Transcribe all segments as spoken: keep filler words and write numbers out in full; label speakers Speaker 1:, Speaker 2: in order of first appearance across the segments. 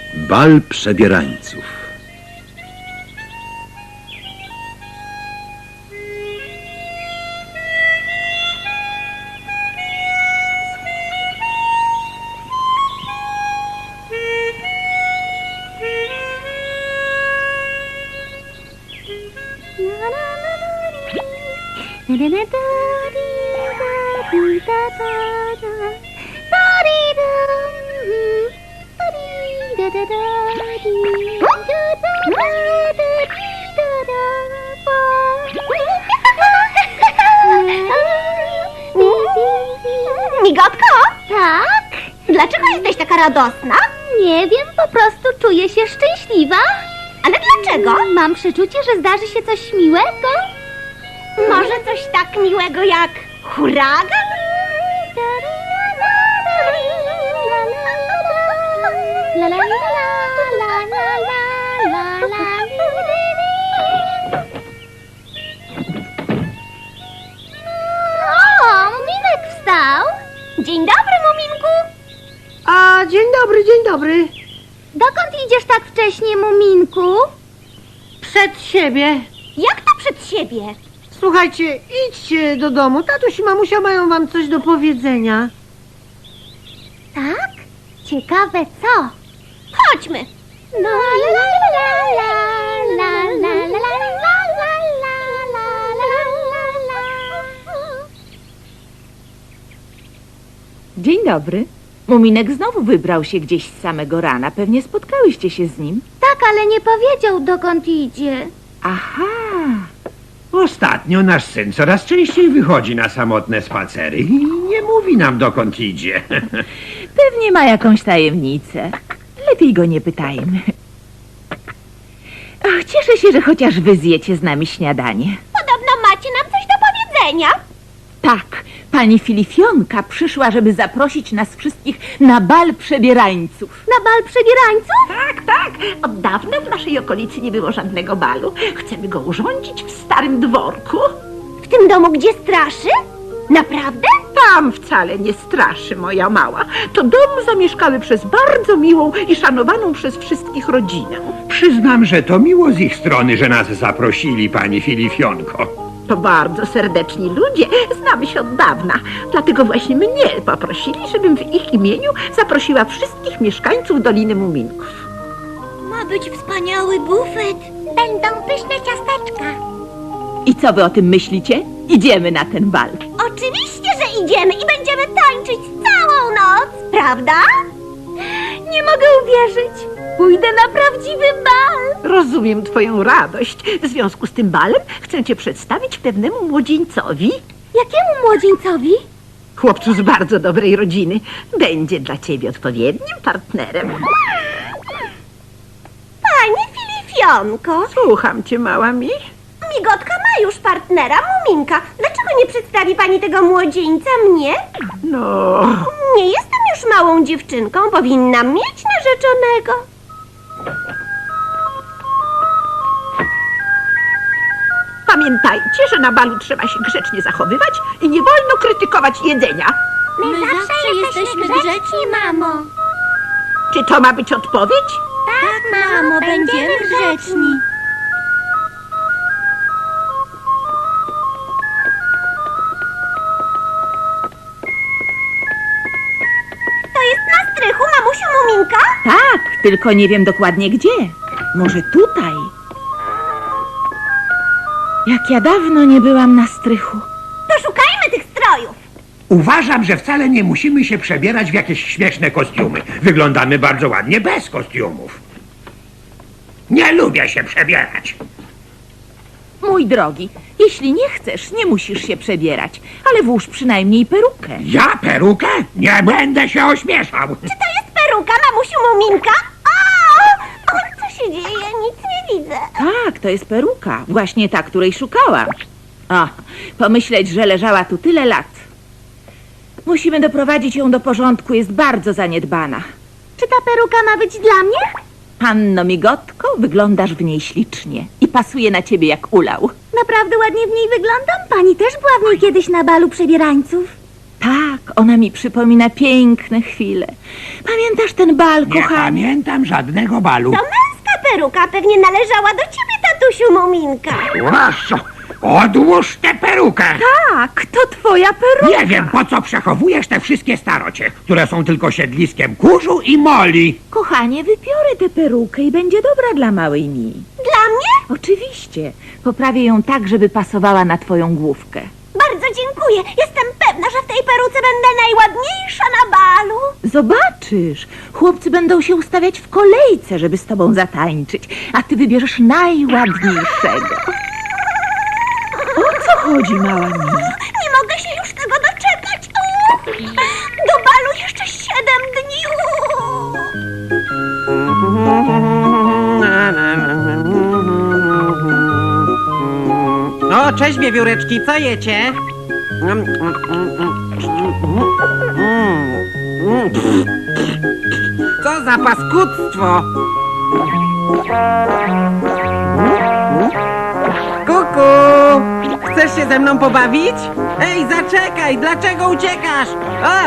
Speaker 1: Bal przebierańców.
Speaker 2: Migotko? Tak? Dlaczego jesteś taka radosna?
Speaker 3: Nie wiem, po prostu czuję się szczęśliwa.
Speaker 2: Ale dlaczego?
Speaker 3: Mam przeczucie, że zdarzy się coś miłego.
Speaker 2: Może coś tak miłego jak huragan?
Speaker 3: La la la la la la la la. O, Muminek wstał.
Speaker 2: Dzień dobry, Muminku.
Speaker 4: A, dzień dobry, dzień dobry.
Speaker 3: Dokąd idziesz tak wcześnie, Muminku?
Speaker 4: Przed siebie.
Speaker 2: Jak to przed siebie?
Speaker 4: Słuchajcie, idźcie do domu. Tatuś i mamusia mają wam coś do powiedzenia.
Speaker 3: Tak? Ciekawe co?
Speaker 2: Chodźmy.
Speaker 3: No, la la la la la la la la la la la la.
Speaker 5: Dzień dobry. Muminek znowu wybrał się gdzieś z samego rana. Pewnie spotkałyście się z nim.
Speaker 3: Tak, ale nie powiedział, dokąd idzie.
Speaker 5: Aha.
Speaker 6: Ostatnio nasz syn coraz częściej wychodzi na samotne spacery i nie mówi nam, dokąd idzie.
Speaker 5: Pewnie ma jakąś tajemnicę. Lepiej go nie pytajmy. Ach, cieszę się, że chociaż wy zjecie z nami śniadanie.
Speaker 2: Podobno macie nam coś do powiedzenia.
Speaker 5: Tak, pani Filifionka przyszła, żeby zaprosić nas wszystkich na bal przebierańców.
Speaker 3: Na bal przebierańców?
Speaker 7: Tak, tak. Od dawna w naszej okolicy nie było żadnego balu. Chcemy go urządzić w starym dworku.
Speaker 2: W tym domu, gdzie straszy? Naprawdę?
Speaker 7: Tam wcale nie straszy, moja mała. To dom zamieszkały przez bardzo miłą i szanowaną przez wszystkich rodzinę.
Speaker 6: Przyznam, że to miło z ich strony, że nas zaprosili, pani Filifionko.
Speaker 7: To bardzo serdeczni ludzie, znamy się od dawna. Dlatego właśnie mnie poprosili, żebym w ich imieniu zaprosiła wszystkich mieszkańców Doliny Muminków.
Speaker 2: Ma być wspaniały bufet. Będą pyszne ciasteczka.
Speaker 5: I co wy o tym myślicie? Idziemy na ten bal.
Speaker 2: Oczywiście, że idziemy i będziemy tańczyć całą noc, prawda?
Speaker 3: Nie mogę uwierzyć. Pójdę na prawdziwy bal.
Speaker 7: Rozumiem twoją radość. W związku z tym balem chcę cię przedstawić pewnemu młodzieńcowi.
Speaker 3: Jakiemu młodzieńcowi?
Speaker 7: Chłopcu z bardzo dobrej rodziny. Będzie dla ciebie odpowiednim partnerem.
Speaker 2: Pani Filifionko,
Speaker 7: Słucham cię, mała mi.
Speaker 2: Migotka ma już partnera, Muminka. Dlaczego nie przedstawi pani tego młodzieńca mnie?
Speaker 7: No,
Speaker 2: Nie jestem już małą dziewczynką, powinnam mieć narzeczonego.
Speaker 7: pamiętajcie, że na balu trzeba się grzecznie zachowywać i nie wolno krytykować jedzenia.
Speaker 2: My, zawsze, jesteśmy grzeczni, mamo.
Speaker 7: Czy to ma być odpowiedź?
Speaker 2: Tak, mamo, będziemy grzeczni. To jest na strychu, mamusiu Muminka?
Speaker 5: Tak, tylko nie wiem dokładnie gdzie. Może tutaj? Jak ja dawno nie byłam na strychu.
Speaker 2: To szukajmy tych strojów.
Speaker 6: Uważam, że wcale nie musimy się przebierać w jakieś śmieszne kostiumy. Wyglądamy bardzo ładnie bez kostiumów. Nie lubię się przebierać.
Speaker 5: Mój drogi, jeśli nie chcesz, nie musisz się przebierać, ale włóż przynajmniej perukę.
Speaker 6: Ja perukę? Nie będę się ośmieszał.
Speaker 2: Czy to jest peruka, mamusiu Muminka? O! O, co się dzieje? Nic nie widzę.
Speaker 5: Tak, to jest peruka, właśnie ta, której szukałam. O, pomyśleć, że leżała tu tyle lat. Musimy doprowadzić ją do porządku, jest bardzo zaniedbana.
Speaker 3: Czy ta peruka ma być dla mnie?
Speaker 5: Panno Migotko, wyglądasz w niej ślicznie i pasuje na ciebie jak ulał.
Speaker 3: Naprawdę ładnie w niej wyglądam. Pani też była w niej kiedyś na balu przebierańców.
Speaker 5: Tak, Tak, ona mi przypomina piękne chwile. Pamiętasz ten bal,
Speaker 6: Nie
Speaker 5: kochanie?
Speaker 6: pamiętam żadnego balu.
Speaker 2: To męska peruka pewnie należała do ciebie, tatusiu Muminka.
Speaker 6: Proszę, odłóż tę perukę.
Speaker 5: Tak, to twoja peruka.
Speaker 6: Nie wiem, po co przechowujesz te wszystkie starocie, które są tylko siedliskiem kurzu i moli.
Speaker 5: Kochanie, wypiorę tę perukę i będzie dobra dla małej Mi.
Speaker 2: Dla mnie?
Speaker 5: Oczywiście. Poprawię ją tak, żeby pasowała na twoją główkę.
Speaker 2: Bardzo dziękuję. Jestem pewna, że w tej peruce będę najładniejsza na balu.
Speaker 5: Zobaczysz, chłopcy będą się ustawiać w kolejce, żeby z tobą zatańczyć, a ty wybierzesz najładniejszego. O co chodzi, mała Mi?
Speaker 2: Nie mogę się już tego doczekać. O, do balu jeszcze siedem dni.
Speaker 8: O, cześć wiewióreczki, co jecie? Co za paskudztwo! Kuku! Chcesz się ze mną pobawić? Ej, zaczekaj! Dlaczego uciekasz? A!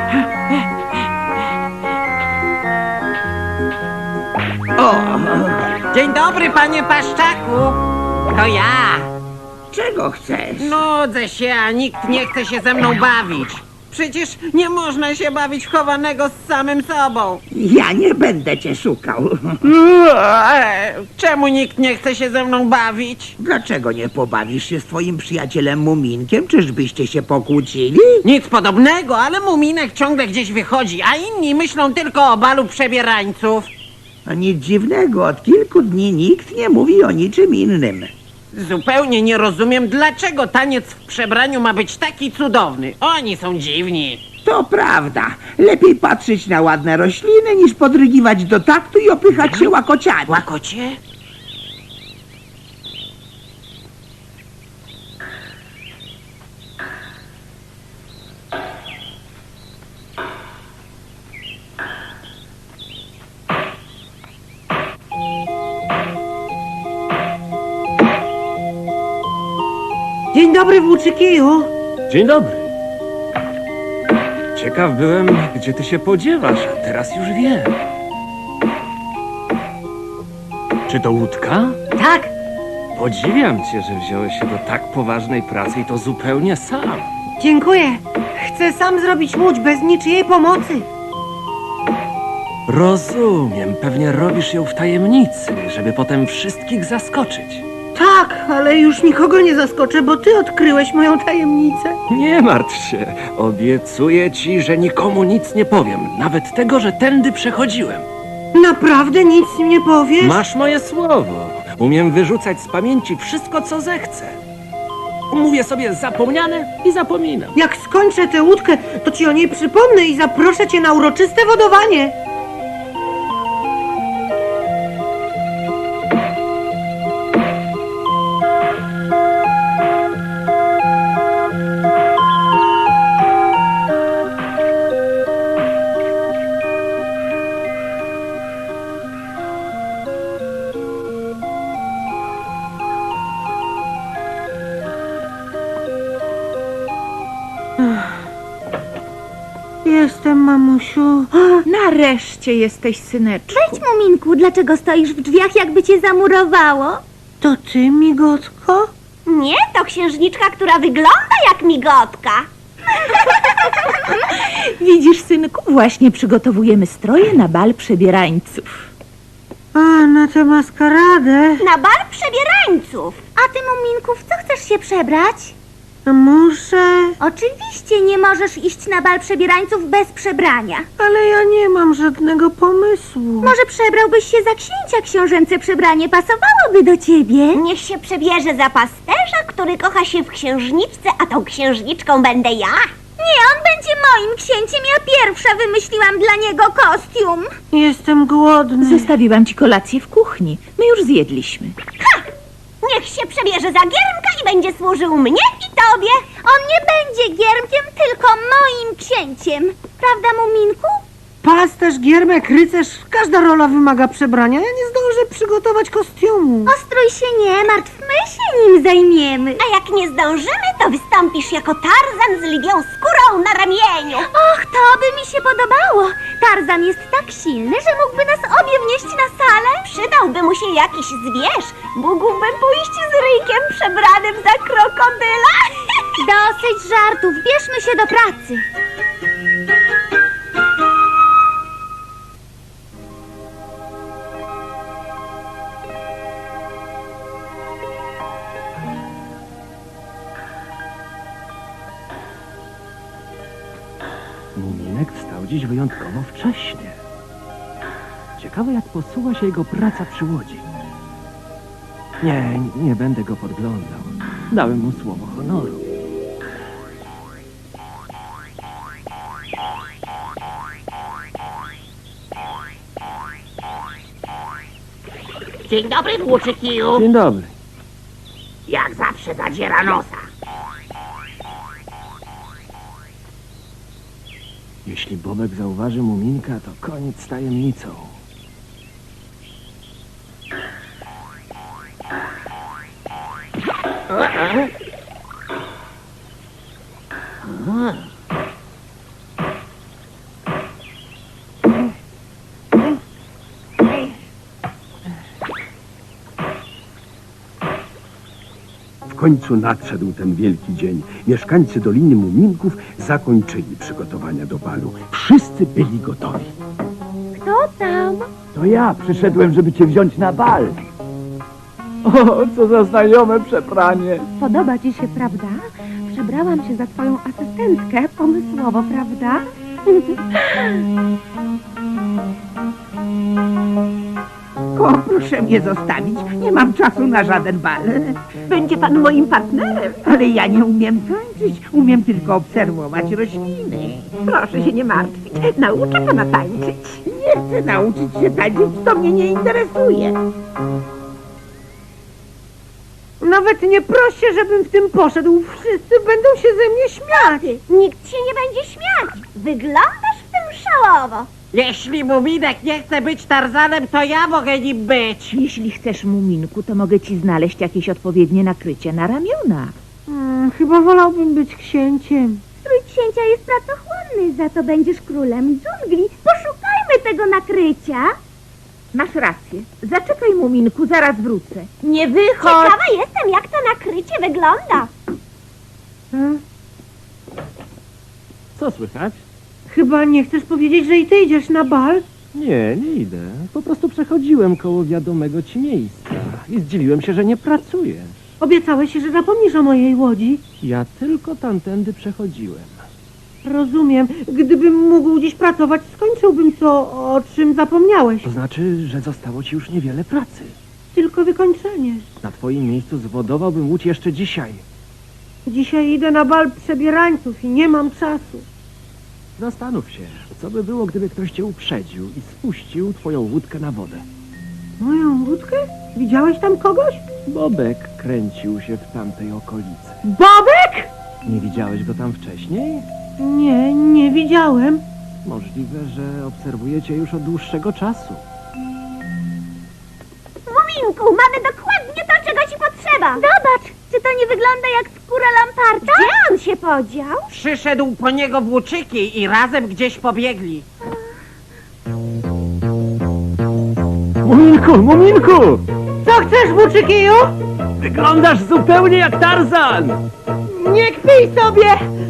Speaker 8: O! Dzień dobry, panie Paszczaku! To ja!
Speaker 6: Czego chcesz?
Speaker 8: Nudzę się, a nikt nie chce się ze mną bawić. Przecież nie można się bawić w chowanego z samym sobą.
Speaker 6: Ja nie będę cię szukał.
Speaker 8: Eee, Czemu nikt nie chce się ze mną bawić?
Speaker 9: Dlaczego nie pobawisz się z twoim przyjacielem Muminkiem? Czyżbyście się pokłócili?
Speaker 8: Nic podobnego, ale Muminek ciągle gdzieś wychodzi, a inni myślą tylko o balu przebierańców.
Speaker 9: A nic dziwnego, od kilku dni nikt nie mówi o niczym innym.
Speaker 8: Zupełnie nie rozumiem, dlaczego taniec w przebraniu ma być taki cudowny. Oni są dziwni.
Speaker 9: To prawda. Lepiej patrzeć na ładne rośliny, niż podrygiwać do taktu i opychać się łakociami.
Speaker 8: Łakocie?
Speaker 4: Dzień dobry, włóczykiju.
Speaker 10: Dzień dobry. Ciekaw byłem, gdzie ty się podziewasz, a teraz już wiem. Czy to łódka?
Speaker 4: Tak,
Speaker 10: Podziwiam cię, że wziąłeś się do tak poważnej pracy i to zupełnie sam.
Speaker 4: dziękuję. Chcę sam zrobić łódź bez niczyjej pomocy.
Speaker 10: Rozumiem, pewnie robisz ją w tajemnicy, żeby potem wszystkich zaskoczyć.
Speaker 4: Tak, ale już nikogo nie zaskoczę, bo ty odkryłeś moją tajemnicę.
Speaker 10: Nie martw się, obiecuję ci, że nikomu nic nie powiem, nawet tego, że tędy przechodziłem.
Speaker 4: Naprawdę nic mi nie powiesz?
Speaker 10: Masz moje słowo. Umiem wyrzucać z pamięci wszystko, co zechcę. Mówię sobie zapomniane i zapominam.
Speaker 4: Jak skończę tę łódkę, to ci o niej przypomnę i zaproszę cię na uroczyste wodowanie. Jestem, mamusiu.
Speaker 5: Nareszcie jesteś, syneczku.
Speaker 3: Wejdź, Muminku, dlaczego stoisz w drzwiach, jakby cię zamurowało?
Speaker 4: To ty, migotko?
Speaker 2: Nie, to księżniczka, która wygląda jak migotka.
Speaker 5: Widzisz, synku, właśnie przygotowujemy stroje na bal przebierańców.
Speaker 4: A, na tę maskaradę.
Speaker 2: Na bal przebierańców.
Speaker 3: A ty, Muminku, w co chcesz się przebrać?
Speaker 4: Muszę,
Speaker 3: Oczywiście nie możesz iść na bal przebierańców bez przebrania.
Speaker 4: ale ja nie mam żadnego pomysłu.
Speaker 3: Może przebrałbyś się za księcia? Książęce przebranie pasowałoby do ciebie.
Speaker 2: Niech się przebierze za pasterza, który kocha się w księżniczce, a tą księżniczką będę ja.
Speaker 3: Nie, on będzie moim księciem. Ja pierwsza wymyśliłam dla niego kostium.
Speaker 4: Jestem głodny.
Speaker 5: Zostawiłam ci kolację w kuchni. My już zjedliśmy.
Speaker 2: Niech się przebierze za giermka i będzie służył mnie i tobie.
Speaker 3: On nie będzie giermkiem, tylko moim księciem. Prawda, Muminku?
Speaker 4: Pasterz, giermek, rycerz, każda rola wymaga przebrania. Ja nie zdążę przygotować kostiumu.
Speaker 3: Ostrój się nie martw, my się nim zajmiemy.
Speaker 2: A jak nie zdążymy, to wystąpisz jako Tarzan z lwią skórą na ramieniu.
Speaker 3: Och, to by mi się podobało. Tarzan jest tak silny, że mógłby nas obie wnieść na salę.
Speaker 2: Przydałby mu się jakiś zwierz. Mógłbym pójść z ryjkiem przebranym za krokodyla.
Speaker 3: Dosyć żartów, bierzmy się do pracy.
Speaker 10: Muminek wstał dziś wyjątkowo wcześnie. Ciekawe, jak posuwa się jego praca przy łodzi. Nie, nie będę go podglądał. Dałem mu słowo honoru.
Speaker 7: Dzień dobry, włóczykiju.
Speaker 10: Dzień dobry.
Speaker 7: Jak zawsze zadziera nosa.
Speaker 10: Jeśli Bobek zauważy Muminka, to koniec z tajemnicą.
Speaker 1: W końcu nadszedł ten wielki dzień. Mieszkańcy Doliny Muminków zakończyli przygotowania do balu. Wszyscy byli gotowi.
Speaker 3: Kto tam?
Speaker 9: To ja przyszedłem, żeby cię wziąć na bal. O, co za znajome przebranie.
Speaker 11: Podoba ci się, prawda? Przebrałam się za twoją asystentkę. Pomysłowo, prawda?
Speaker 9: O, proszę mnie zostawić. Nie mam czasu na żaden bal.
Speaker 7: Będzie pan moim partnerem.
Speaker 9: Ale ja nie umiem tańczyć. Umiem tylko obserwować rośliny.
Speaker 7: Proszę się nie martwić. Nauczę pana tańczyć.
Speaker 9: Nie chcę nauczyć się tańczyć, to mnie nie interesuje.
Speaker 4: Nawet nie proś się, żebym w tym poszedł. Wszyscy będą się ze mnie śmiać.
Speaker 2: Nikt się nie będzie śmiać. Wyglądasz w tym szalowo.
Speaker 8: Jeśli Muminek nie chce być Tarzanem, to ja mogę nim być.
Speaker 5: Jeśli chcesz, Muminku, to mogę ci znaleźć jakieś odpowiednie nakrycie na ramiona.
Speaker 4: Hmm, chyba wolałbym być księciem.
Speaker 3: Strój księcia jest pracochłonny, za to będziesz królem dżungli. Poszukajmy tego nakrycia.
Speaker 5: Masz rację. Zaczekaj, Muminku, zaraz wrócę. Nie wychodź!
Speaker 2: Ciekawa jestem, jak to nakrycie wygląda.
Speaker 4: Hmm?
Speaker 10: Co słychać?
Speaker 4: Chyba nie chcesz powiedzieć, że i ty idziesz na bal?
Speaker 10: Nie, nie idę. Po prostu przechodziłem koło wiadomego ci miejsca i zdziwiłem się, że nie pracujesz.
Speaker 4: Obiecałeś, że zapomnisz o mojej łodzi.
Speaker 10: Ja tylko tamtędy przechodziłem.
Speaker 4: Rozumiem. Gdybym mógł dziś pracować, skończyłbym to, o czym zapomniałeś.
Speaker 10: To znaczy, że zostało ci już niewiele pracy.
Speaker 4: Tylko wykończenie.
Speaker 10: Na twoim miejscu zwodowałbym łódź jeszcze dzisiaj.
Speaker 4: Dzisiaj idę na bal przebierańców i nie mam czasu.
Speaker 10: Zastanów się, co by było, gdyby ktoś cię uprzedził i spuścił twoją łódkę na wodę.
Speaker 4: Moją łódkę? Widziałeś tam kogoś?
Speaker 10: Bobek kręcił się w tamtej okolicy.
Speaker 4: Bobek!
Speaker 10: Nie widziałeś go tam wcześniej?
Speaker 4: Nie, nie widziałem.
Speaker 10: Możliwe, że obserwujecie już od dłuższego czasu.
Speaker 2: Muminku, mamy dokładnie to, czego ci potrzeba.
Speaker 3: Zobacz, czy to nie wygląda jak skóra lamparta?
Speaker 2: Gdzie on się podział?
Speaker 8: Przyszedł po niego włóczyki i razem gdzieś pobiegli.
Speaker 10: Muminku, Muminku!
Speaker 4: Co chcesz, włóczykiju?
Speaker 10: Wyglądasz zupełnie jak Tarzan!
Speaker 4: Nie kpij sobie!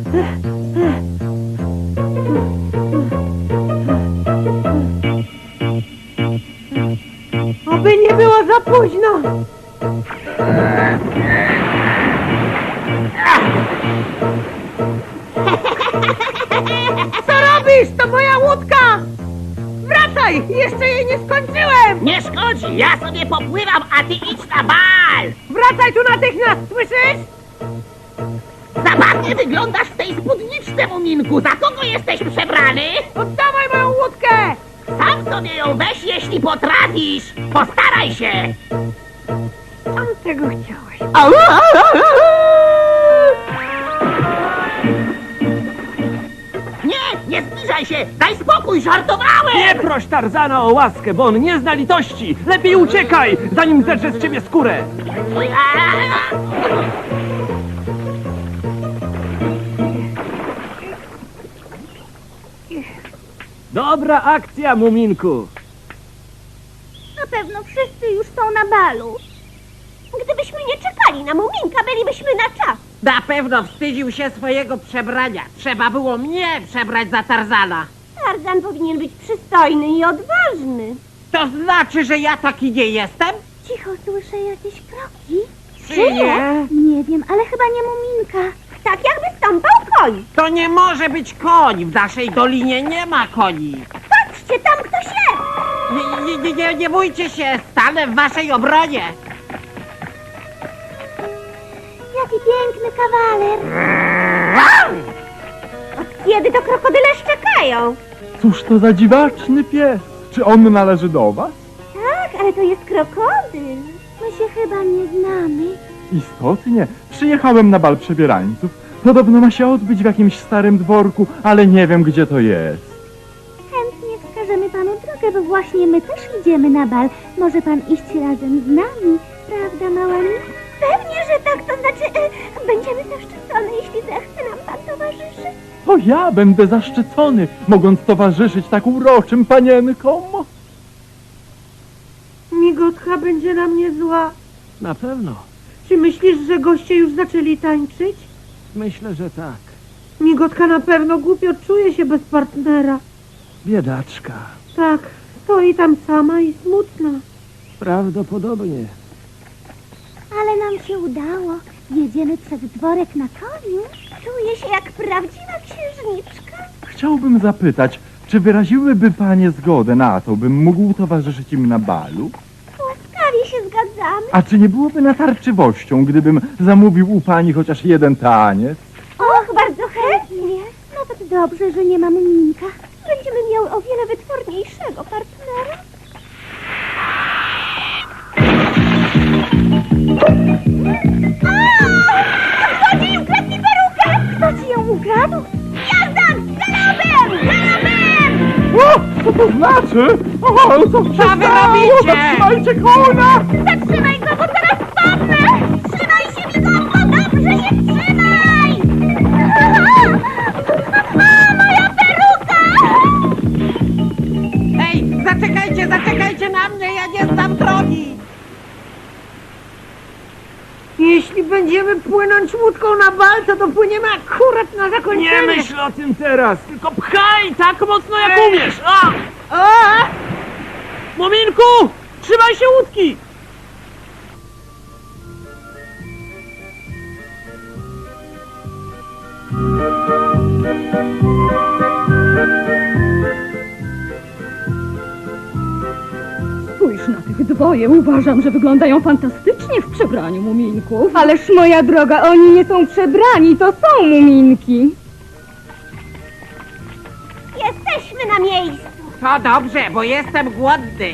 Speaker 4: Oby nie było za późno! Co robisz? To moja łódka! Wracaj! Jeszcze jej nie skończyłem!
Speaker 7: Nie szkodzi, ja sobie popływam, a ty idź na bal.
Speaker 4: Wracaj tu natychmiast, słyszysz?
Speaker 7: Zabawnie wyglądasz w tej spódniczce, Muminku. Za kogo jesteś przebrany?
Speaker 4: Oddawaj moją łódkę!
Speaker 7: Sam sobie ją weź, jeśli potrafisz. Postaraj się.
Speaker 4: Sam tego chciałeś.
Speaker 7: Nie, nie zbliżaj
Speaker 8: ruszaj się! Daj spokój, żartowałem!
Speaker 10: Nie proś Tarzana o łaskę, bo on nie zna litości! Lepiej uciekaj, zanim zedrze z ciebie skórę! Dobra akcja, Muminku!
Speaker 2: Na pewno wszyscy już są na balu. Gdybyśmy nie czekali na Muminka, bylibyśmy na czas.
Speaker 8: Na pewno wstydził się swojego przebrania. Trzeba było mnie przebrać za Tarzana.
Speaker 2: Tarzan powinien być przystojny i odważny.
Speaker 8: To znaczy, że ja taki nie jestem?
Speaker 3: Cicho, słyszę jakieś kroki.
Speaker 8: Czyje?
Speaker 3: Nie wiem, ale chyba nie Muminka.
Speaker 2: Tak jakby stąpał koń.
Speaker 8: To nie może być koń. W naszej dolinie nie ma koni.
Speaker 2: Patrzcie, tam ktoś jest.
Speaker 8: Nie, nie, nie, nie, nie bójcie się, stanę w waszej obronie.
Speaker 3: Jaki piękny kawaler.
Speaker 2: Od kiedy to krokodyle szczekają?
Speaker 12: Cóż to za dziwaczny pies? Czy on należy do was?
Speaker 2: Tak, ale to jest krokodyl.
Speaker 3: My się chyba nie znamy.
Speaker 12: Istotnie. Przyjechałem na bal przebierańców. Podobno ma się odbyć w jakimś starym dworku, ale nie wiem, gdzie to jest.
Speaker 3: Chętnie wskażemy panu drogę, bo właśnie my też idziemy na bal. Może pan iść razem z nami, prawda, mała mi?
Speaker 2: Pewnie, że tak, to znaczy e, będziemy zaszczycone, jeśli zechce nam pan towarzyszyć.
Speaker 12: To ja będę zaszczycony, mogąc towarzyszyć tak uroczym panienkom.
Speaker 4: Migotka będzie na mnie zła.
Speaker 10: Na pewno.
Speaker 4: Czy myślisz, że goście już zaczęli tańczyć?
Speaker 10: Myślę, że tak.
Speaker 4: Migotka na pewno głupio czuje się bez partnera.
Speaker 10: Biedaczka.
Speaker 4: Tak, stoi tam sama i smutna.
Speaker 10: Prawdopodobnie.
Speaker 3: Ale nam się udało. Jedziemy przed dworek na koniu.
Speaker 2: Czuję się jak prawdziwa księżniczka.
Speaker 12: Chciałbym zapytać, czy wyraziłyby panie zgodę na to, bym mógł towarzyszyć im na balu?
Speaker 2: Łaskawie się zgadzamy.
Speaker 12: A czy nie byłoby natarczywością, gdybym zamówił u pani chociaż jeden taniec?
Speaker 2: Och, bardzo chętnie.
Speaker 3: Nawet dobrze, że nie ma Muminka.
Speaker 2: Będziemy miały o wiele wytworniejszego partnera. Złodziej ukradł mi perukę!
Speaker 3: Kto ci ją ukradł?
Speaker 2: Jazdan! Galopem! Galopem!
Speaker 12: O, co to znaczy? O, co się
Speaker 8: Co wy
Speaker 12: stało?
Speaker 8: robicie?
Speaker 12: Zatrzymajcie konia!
Speaker 2: Zatrzymaj go, bo zaraz spadnę! Trzymaj się, Migotko! Dobrze się trzymaj! A, moja peruka!
Speaker 8: Ej, zaczekajcie, zaczekajcie na mnie, ja nie znam drogi.
Speaker 4: Jeśli będziemy płynąć łódką na bal, to dopłyniemy akurat na zakończenie.
Speaker 10: Nie myśl o tym teraz, tylko pchaj tak mocno jak umiesz! A!
Speaker 4: A!
Speaker 10: Muminku! Trzymaj się łódki!
Speaker 11: Spójrz na tych dwoje. Uważam, że wyglądają fantastycznie w przebraniu muminków. Ależ moja droga, oni nie są przebrani, to są muminki.
Speaker 2: Jesteśmy na miejscu.
Speaker 8: To dobrze, bo jestem głodny.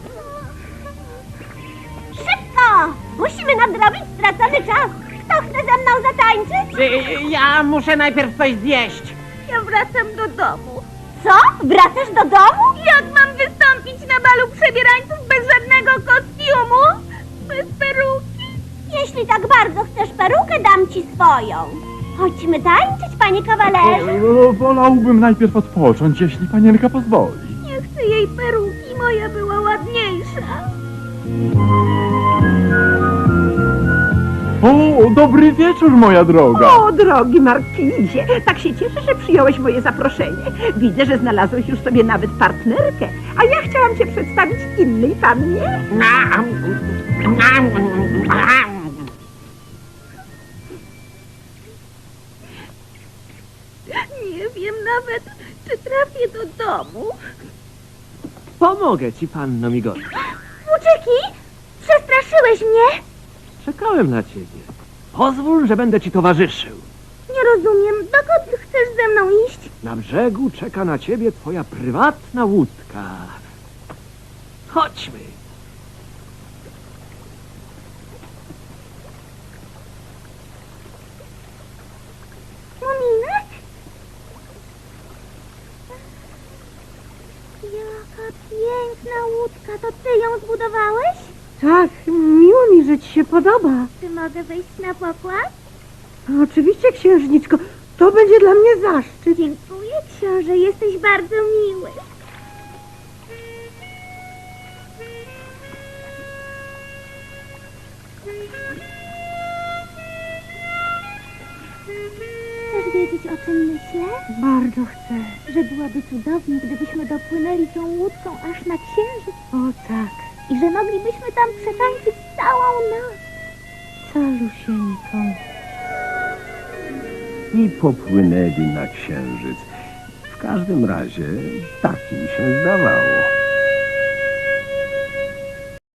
Speaker 2: Szybko! Musimy nadrobić stracony czas. Kto chce ze mną zatańczyć?
Speaker 8: Y, Ja muszę najpierw coś zjeść.
Speaker 2: Ja wracam do domu. Co? Wracasz do domu? Jak mam wystąpić na balu przebierańców bez żadnego kostiumu? Bez peruki? Jeśli tak bardzo chcesz perukę, dam ci swoją. Chodźmy tańczyć, panie kawalerze.
Speaker 12: O, wolałbym najpierw odpocząć, jeśli panienka pozwoli.
Speaker 2: Nie chcę jej peruki, moja była ładniejsza.
Speaker 12: O, dobry wieczór, moja droga.
Speaker 7: O, drogi Markizie, tak się cieszę, że przyjąłeś moje zaproszenie. Widzę, że znalazłeś już sobie nawet partnerkę, a ja chciałam cię przedstawić innej pannie.
Speaker 8: Nam, nam, nam.
Speaker 2: Nie wiem nawet, czy trafię do domu.
Speaker 10: Pomogę ci, panno Migotka.
Speaker 3: Włóczyki, przestraszyłeś mnie?
Speaker 10: Czekałem na ciebie. Pozwól, że będę ci towarzyszył.
Speaker 3: Nie rozumiem, dokąd chcesz ze mną iść?
Speaker 10: Na brzegu czeka na ciebie twoja prywatna łódka. Chodźmy.
Speaker 3: Muminek? łódka, to ty ją zbudowałeś?
Speaker 4: Tak, miło mi, że ci się podoba.
Speaker 3: Czy mogę wejść na pokład?
Speaker 4: Oczywiście, księżniczko, to będzie dla mnie zaszczyt.
Speaker 3: Dziękuję, książę, jesteś bardzo miły. Chcesz wiedzieć, o czym myślę?
Speaker 4: Bardzo chcę.
Speaker 3: Że byłoby cudownie, gdybyśmy dopłynęli tą łódką aż na księżyc
Speaker 4: O tak,
Speaker 3: i że moglibyśmy tam przetańczyć całą noc.
Speaker 4: calusieńką.
Speaker 1: I popłynęli na księżyc. W każdym razie tak im się zdawało.